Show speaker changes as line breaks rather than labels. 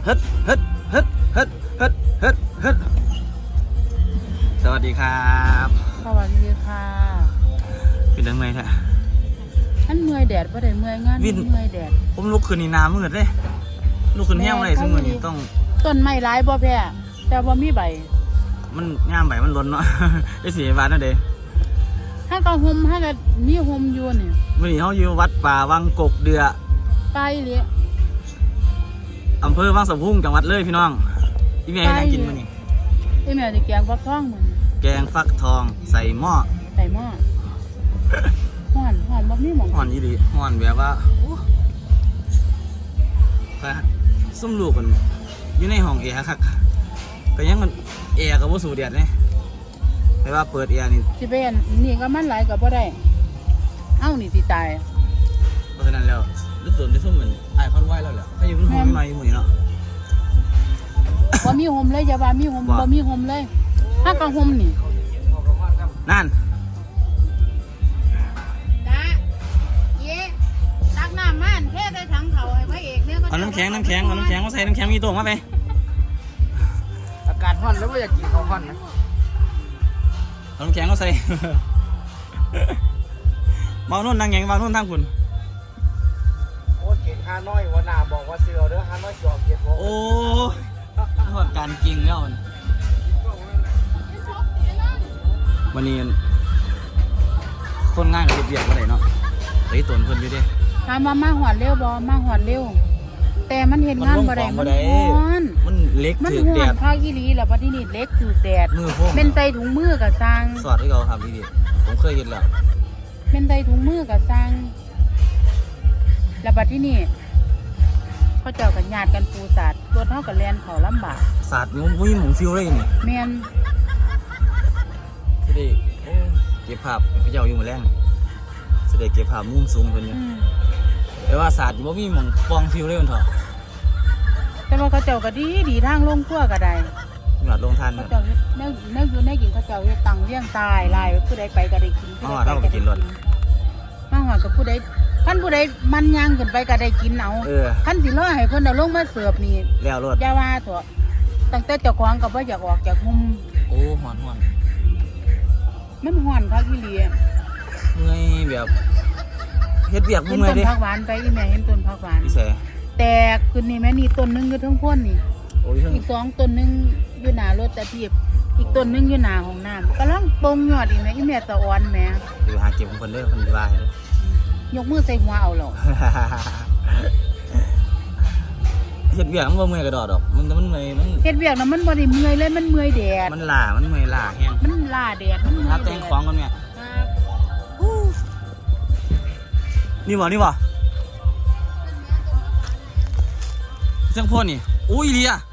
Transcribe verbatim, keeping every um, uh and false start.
ฮึดฮึดฮึดฮึดฮึดฮึดฮึดสวัสดีครับ
สวัสดีค่ะ
เป็นยังไงแท้
อันเมื่อยแดดบ่ได้เมื่อยงานเมื่อยแดด
ผมลุกขึ้นนี่น้ำมืดเลยลุกขึ้นแห้งเลยซึ่งมือนี้ต้อง
ต้นไม้ร้ายบ่แพ้แต่ว่ามีใบ
มันง่ามใบมันล้นเนาะได้สีบาทนั่นเด้
ถ้าก็ห่มถ้าก็มีห่มอยู่นี่
มื่อนี้เขาอยู่วัดป่าวังกกเดือ
ไกลเลย
อำเภอวังสะพุ่งจังหวัดเลยพี่น้องพี่แม่ให้นั่งกินมื้อนี้
พี่แม่จะแกงฟักทองมื้อ
แกงฟักทองใส่หม้อ
ใส่หม้อห่อนห่อนบ่มีหม่อง
ห่อนอีหลีห่อนแบบว่าโอ้ซุ่มลูกกันอยู่ในห้องแอร์คักก็ยังมันแอร์ก็บ่สู้แดดเลยแต่ว่าเปิดแอร์นี่
สิเป็นนี่ก็มันหลายก็บ่ได้เอ้านี่สิตาย
เพราะฉะนั้นแล้วลึกส่วนได้ซุ่มเหมือนไอ้คอนไหวแล้วแหละถ้าอยู่มันห้องใหม่หมู่นี่เนาะ
บ่มีห่มเลยอย่าว่ามีห่มบ่มีห่มเลยถ้าก็ห่มนี่
นั่น
จ้าเย้ตักน้ำมันเทใส่ถังเขาให้พระเอกเนี่ย
เอาน้ำแข็งน้ำแข็งเอาน้ำแข็งมาใส่น้ำแข็งมีตัวมาไป
อากาศร้อนแล้วไม่อยากกินข้าวร้อนนะ
เอาน้ำแข็งก็ใส่มาโน่นนั่งแงงมาโน่นทั้งคุณ
โอ้เก่งฮานอยวันนาบอกว่าเสือเด้อฮานอยสอบเกียรติโอ้
ทอดการกินแล้ววันนี้คนง่ายกับเบียดอะไรเนาะไอ้ตนคนอยู่ดิ
ถามว่ามาหอดเร็วบ่มาหอดเร็วแต่มันเห็นงานบ่ได้มันร้อน
มันเล็กถือแดด
ภาคอีหลีแล้วบัดนี้เล็กถือแดด
มือพวก
เป็นใส่ถุงมือกับสร้าง
สอดให้เขาทำดีๆผมเคยเห็นแล้ว
เป็นใส่ถุงมือกับสร้างแล้วบัดที่นี่เขาเจ้ากันญาติกันปูศาสตร์รถเท่ากับแลนเขาลำบาก
ศาสตร์มันวิ่งหมุนฟิวเลยนี่
แมน
สิได้เก็บภาพพระเจ้าอยู่มือแรงสิได้เก็บภาพมุมสูงคนนี้แต่ว่าศาสตร์อยู่ว่ามีหมุนฟองฟิวเลยมันเถอะ
แต่ว่าเขาเจ้าก็ดีดีทางลงขั้วก็ได้
หยอดลงทัน
เขาเจ้าเนื้อเนื้ออยู่ในกินเขาเจ้าเฮ็ดตังเลี้ยงตายลายผู้ใดไปก็ได้กิน
อ๋อเราไปกินรถ
มาหอดกับผู้ใดขั้นผู้ใดมันย่างขึ้นไปก็ได้กินเอาขั้นสิร้อยให้เพิ่นเอาลงมาเสิร์ฟนี่
แล้วรถ
อย่าว่าเถอะตั้งแต่เจ้าของก็บ่อยากออกจากมุม
โอ้หอนหอน
มันหอนคักอีหลี
เมื่อยแบบเฮ็ดเบียกเมื่อยดิ
เห็นต้นผักหวานไปอีแม่เห็นต้นผักหวาน
พี่แซ่
แตกขึ้นนี่แม่นี่ต้นนึงอยู่ทั้งพ้นนี่อีกสองต้นนึงอยู่หน้ารถตะเทียบอีกต้นนึงอยู่หน้าห้องน้ำกำลังปงยอดอีแม่อีแม่ตะอ่อนแม่
อยู่หาเก็บของคนเด้อคนดีว่าเด้
อยกมือใส่หัวเอาหรอ
เฮ็ดเบียกมันบ่เมื่อยกระดอดอกมันมันเมื่อยมัน
เฮ็ดเบียกน่ะมันบ่ได้เมื่อยเลยมันเมื่อยแดด
มันล่ามันเมื่อยล่าแห้ง
มันล่าแดดมันเมื่อย
แดดแต่งของกันแม่นี่บ่นี่บ่เสียงพ่นนี่อุ้ยเลีย